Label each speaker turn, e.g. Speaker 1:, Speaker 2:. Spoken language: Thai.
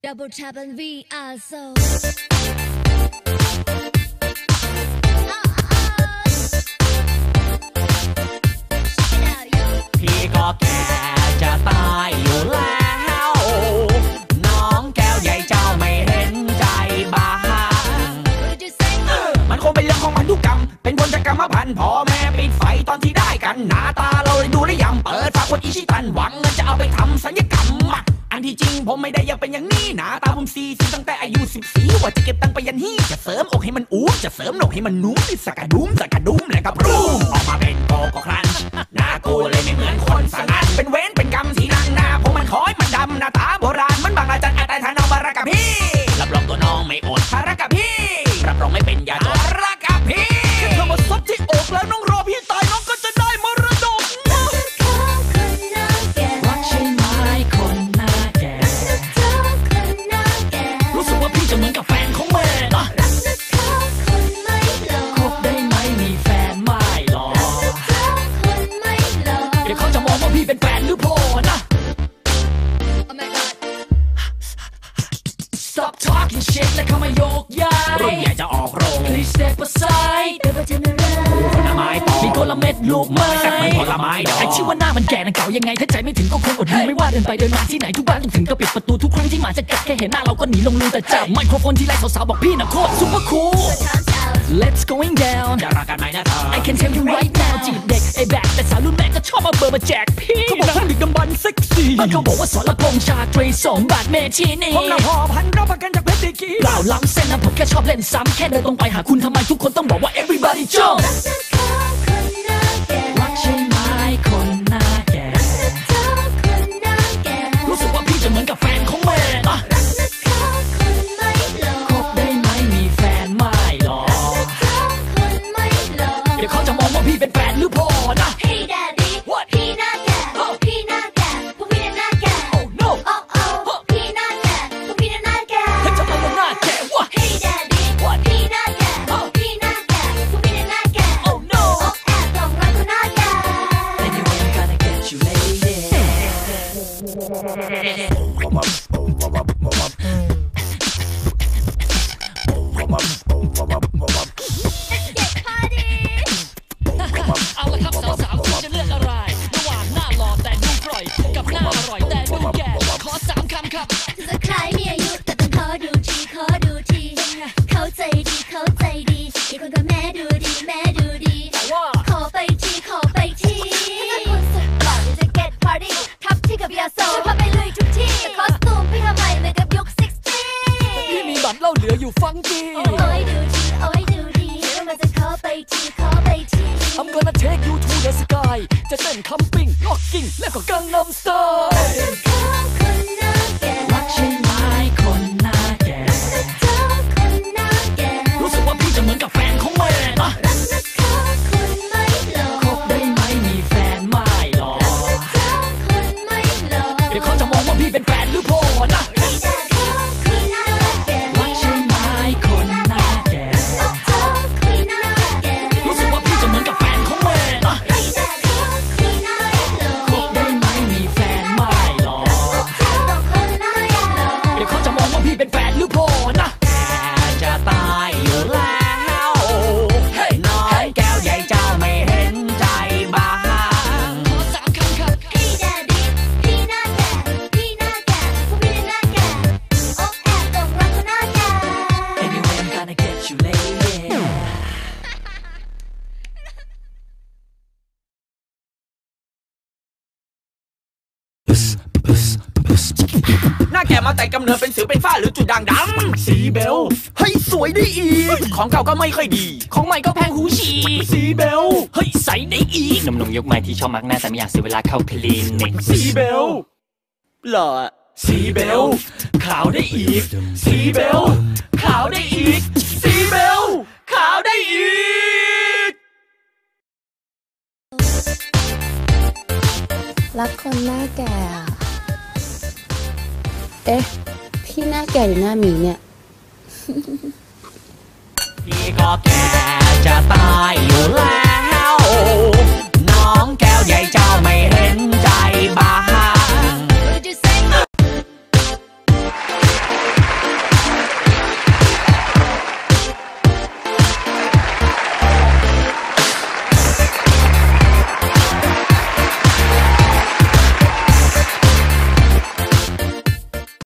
Speaker 1: Double tap and we are so
Speaker 2: พี่ก็แก่จะตายอยู่แล้วน้องแก้วใหญ่เจ้าไม่เห็นใจบ้างมันคงเป็นเรื่องของพันธุกรรมเป็นผลจากกรรมพันธุ์พ่อแม่ปิดไฟตอนที่ได้กันหน้าตาเราเลยดูได้ยำเปิดฝากคนอิชิตันหวังเงินจะเอาไปทำศัลยกรรมอันที่จริงผมไม่ได้อยากเป็นอย่างนี้หน้าตาผมซีตั้งแต่อายุ14ว่าจะเก็บตังค์ไปยันฮี่จะเสริมอกให้มันอู๊จะเสริมหนกให้มันนุ่มสกัดดุ้มแล้วก็ปรุงออกมาเป็นโกโก้ครันช์หน้ากูเลยไม่เหมือนคนสังนั้นเป็นเว้นเป็นกรรมที่นั่งหน้าผมมันคอยมันดำหน้าตาโบราณมันบางอาจารย์อาจารย์ทานองบารักกับพี่รับรองตัวน้องไม่อดภาระกับพี่รับรองไม่เป็นยาจดภาระกับพี่แค่เธอมาซับที่อกแล้วน้องรอพี่ตายน้องก็จะได้มรดกรักใช่ไหมคนหน้าแก่รู้สึกว่าพี่จะเหมือนกับแฟนของแม่นะคบได้ไหมมีแฟนไม่หรอเดี๋ยวเขาจะมองว่าพี่เป็นแฟนหรือพ่อนะ Stop talking shit และเข้ามาโยกย้ายรุ่นใหญ่จะออกโรง Please step aside เดี๋ยวมาเจอผลไม้ต่อมีคนละเม็ดลูกไม้แต่ไม่ผลไม้ดอกไอชื่อว่าหน้ามันแก่นังเก่ายังไงถ้าใจไม่ถึงก็คงอดดูไม่ว่าเดินไปเดินมาที่ไหนทุกบ้านต้องถึงก็ปิดประตูทุกครั้งที่หมาจะกัดแค่เห็นหน้าเราก็หนีลงลืมแต่จับไมโครโฟนที่ไรสาวๆบอกพี่น่ะโคตรซุปเปอร์คูล Let's going down จะรักกันไหมนะเธอ I can tell you right now จีบเด็กไอ้แบกแต่สาวรุ่นแม่ก็ชอบมาเบอร์มาแจกพี่เขาบอกว่าดึกดำบรรพ์เซ็กซี่มันเขาบอกว่าสรพงษ์ชาตรี2 บาทเมชีนี่ผมละหอบพันรับประกันจากเพชรดีกีเปล่าล้ำเส้นนะผมแค่ชอบเล่นซ้ำแค่เดินตรงไปหาคุณทำไมทุกคนต้องบอกว่า everybody jump รักใช่ไหมคนหน้าแก่รู้สึกว่าพี่จะเหมือนกับแฟนของแม่นะคบได้ไหมมีแฟนไม่หรอเดี๋ยวเขาจะมองว่าพี่เป็นแฟนหรือพ่อนะ
Speaker 1: Hey daddy พี่หน้าแก่พี่หน้าแก่พวกพี่หน้าแก่
Speaker 2: Oh no
Speaker 1: พี่หน้าแก่พวกพี่หน้าแก่
Speaker 2: ให้ทำไมมันหน้าแก่วะ
Speaker 1: Hey daddy พี่หน้าแก่พี่หน้าแก่พวกพี่หน้าแก่
Speaker 2: Oh no
Speaker 1: แอบตรงรักคนหน้าแก่
Speaker 2: Anyway I'm gonna get you ladyเอาละครับสาวๆคุณจะเลือกอะไรระหว่างหน้าหล่อแต่ดูกร่อยกับหน้าอร่อยแต่ดูแก่ขอ3 คำครับ
Speaker 1: จะคล้ายมีอายุแต่ต้องขอดูทีเข้าใจดีอีกคนก็แม่ดูดี
Speaker 2: แต่ว่า
Speaker 1: ขอไปทีถ้าคุณสุดหล่อจะ get party ทับที่กับยาโซจะพาไปลุยทุกที่คอสตูมพี่ทำไมเหมือนกับยุค60
Speaker 2: พี่มีบัตรเหล้าเหลืออยู่ฟังกี้
Speaker 1: โอ้ยดูดีแล้วมันจะขอไปที
Speaker 2: I'm gonna take you to the sky จะเต้นคัมปิ้งล็อกกิ้งแล้วก็กังนัมสไตล์รักใช่ไหมคนหน้าแก่รู้สึกว่าพี่จะเหมือนกับแฟนของแม่นะคบได้ไหมมีแฟนไม่หรอเดี๋ยวเขาจะมองว่าพี่เป็นแฟนหรือพ่อนะรักใช่ไหมคนหน้าแก่รู้สึกว่าพี่จะเหมือนกับแฟนของแม่นะคบได้ไหมมีแฟนไม่หรอเดี๋ยวเขาจะมองว่าพี่เป็นแฟนหรือพ่อนะจะตายอยู่แล้วน้องแก้วใหญ่เจ้าไม่เห็นใจบ้างขอ3 คำครับ
Speaker 1: Hey daddy พี่หน้าแก่พวกพี่หน้าแก่แอบตรงรักคนหน้าแก่
Speaker 2: Anyway I'm gonna get you ladyหน้าแก่มาแต่กำเนิดเป็นสิวเป็นฝ้าหรือจุดด่างดำสีเบลเฮ้ยสวยได้อีกของเก่าก็ไม่ค่อยดีของใหม่ก็แพงหูฉี่สีเบลเฮ้ยใส่ได้อีกหนุ่มๆยกใหม่ที่ชอบมักหน้าแต่ไม่อยากเสียเวลาเข้าคลินิกสีเบลหล่อสีเบลขาวได้อีกสีเบลขาวได้อีกสีเบลขาวได้อีก
Speaker 3: รักคนหน้าแก่เอ๊ะพี่หน้าแก่หรือหน้าหมีเนี่ย
Speaker 2: พี่ก็แก่จะตายอยู่แล้วน้องแก้วใหญ่เจ้าไม่เห็นใจบ้าง